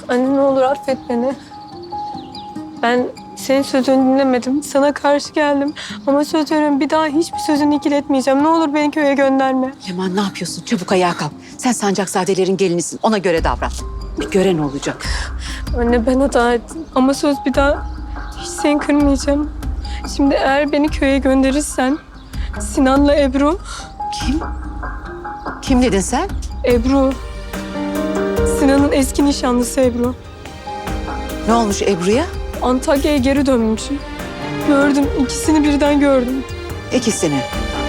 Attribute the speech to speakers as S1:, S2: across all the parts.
S1: Anne ne olur affet beni. Ben senin sözünü dinlemedim. Sana karşı geldim. Ama söz veriyorum bir daha hiçbir sözünü ikiletmeyeceğim. Ne olur beni köye gönderme.
S2: Leman ne yapıyorsun? Çabuk ayağa kalk. Sen Sancakzadelerin gelinisin. Ona göre davran. Bir gören olacak.
S1: Anne ben hata ettim. Ama söz bir daha hiç seni kırmayacağım. Şimdi eğer beni köye gönderirsen Sinan'la Ebru.
S2: Kim? Kim dedin sen?
S1: Ebru. Sinan'ın eski nişanlısı Ebru.
S2: Ne olmuş Ebru'ya?
S1: Antakya'ya geri dönmüş. Gördüm. İkisini birden gördüm.
S2: İkisini.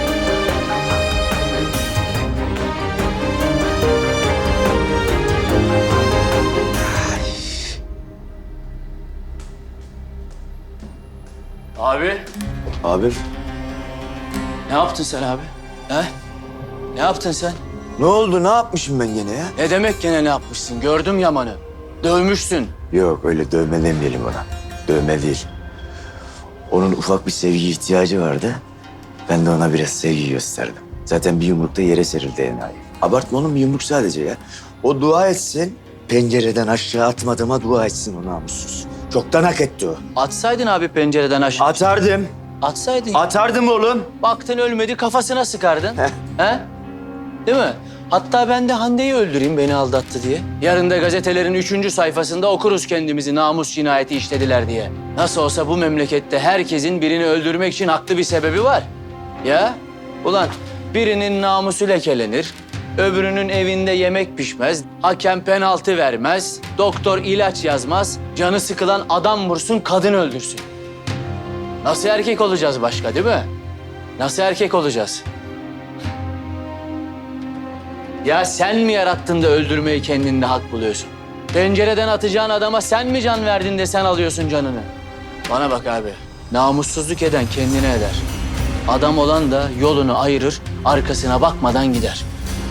S3: Abi,
S4: Abim
S3: ne yaptın sen abi? He? Ne yaptın sen?
S4: ne oldu? Ne yapmışım ben gene ya?
S3: Ne demek gene ne yapmışsın? Gördüm Yaman'ı. Dövmüşsün.
S4: Yok öyle dövme demeyelim ona. Dövme değil. Onun ufak bir sevgi ihtiyacı vardı. Ben de ona biraz sevgi gösterdim. Zaten bir yumrukta yere serildi enayi. Abartma oğlum, bir yumruk sadece ya. O dua etsin, pencereden aşağı atmadığıma dua etsin o namussuz. Çoktan hak etti o.
S3: Atsaydın abi pencereden aşağı.
S4: Atardım.
S3: Atsaydın.
S4: Atardım oğlum.
S3: Baktın ölmedi, kafasına sıkardın. He? Değil mi? Hatta ben de Hande'yi öldüreyim beni aldattı diye. Yarın da gazetelerin 3. sayfasında okuruz kendimizi namus cinayeti işlediler diye. Nasıl olsa bu memlekette herkesin birini öldürmek için haklı bir sebebi var. Ya? Ulan birinin namusu lekelenir, öbürünün evinde yemek pişmez, hakem penaltı vermez, doktor ilaç yazmaz, canı sıkılan adam vursun, kadın öldürsün. Nasıl erkek olacağız başka, değil mi? Nasıl erkek olacağız? Ya sen mi yarattın da öldürmeyi kendinde hak buluyorsun? Pencereden atacağın adama sen mi can verdin de sen alıyorsun canını? Bana bak abi, namussuzluk eden kendine eder. Adam olan da yolunu ayırır, arkasına bakmadan gider.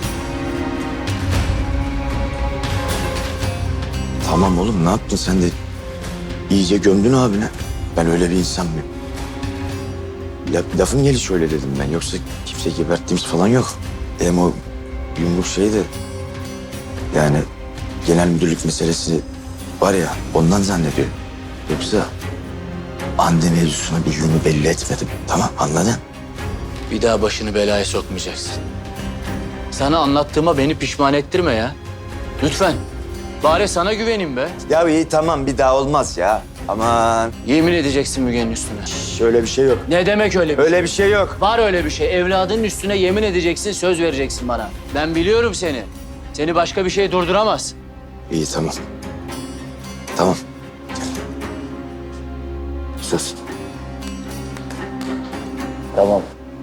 S4: Tamam oğlum, ne yaptın sen de? İyice gömdün abine. Ben öyle bir insan mıyım? Lafın gelişi öyle dedim ben. Yoksa kimse geberttiğimiz falan yok. Hem o yumruk şey de... Yani genel müdürlük meselesi var ya, ondan zannediyorum. Yoksa Hande mevzusuna bir yönü belli etmedim. Tamam, anladın?
S3: Bir daha başını belaya sokmayacaksın. Sana anlattığıma beni pişman ettirme ya. Lütfen. Bari sana güvenin be.
S4: Ya iyi tamam, bir daha olmaz ya. Aman,
S3: Yemin edeceksin Müge'nin üstüne.
S4: şöyle bir şey yok.
S3: Ne demek öyle bir
S4: Öyle bir şey yok.
S3: Var öyle bir şey. Evladının üstüne yemin edeceksin, söz vereceksin bana. Ben biliyorum seni. Seni başka bir şey durduramaz.
S4: İyi tamam. Tamam. Gel. Söz.
S3: Tamam.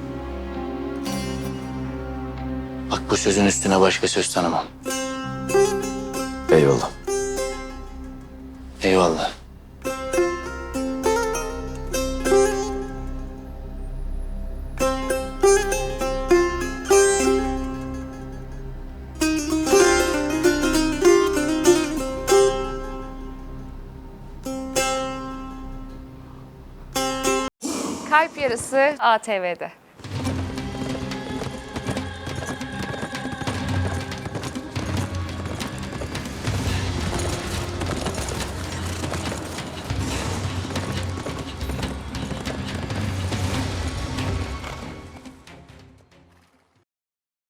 S3: Bak bu sözün üstüne başka söz tanımam.
S4: Eyvallah.
S3: Eyvallah.
S5: Kalp Yarısı ATV'de.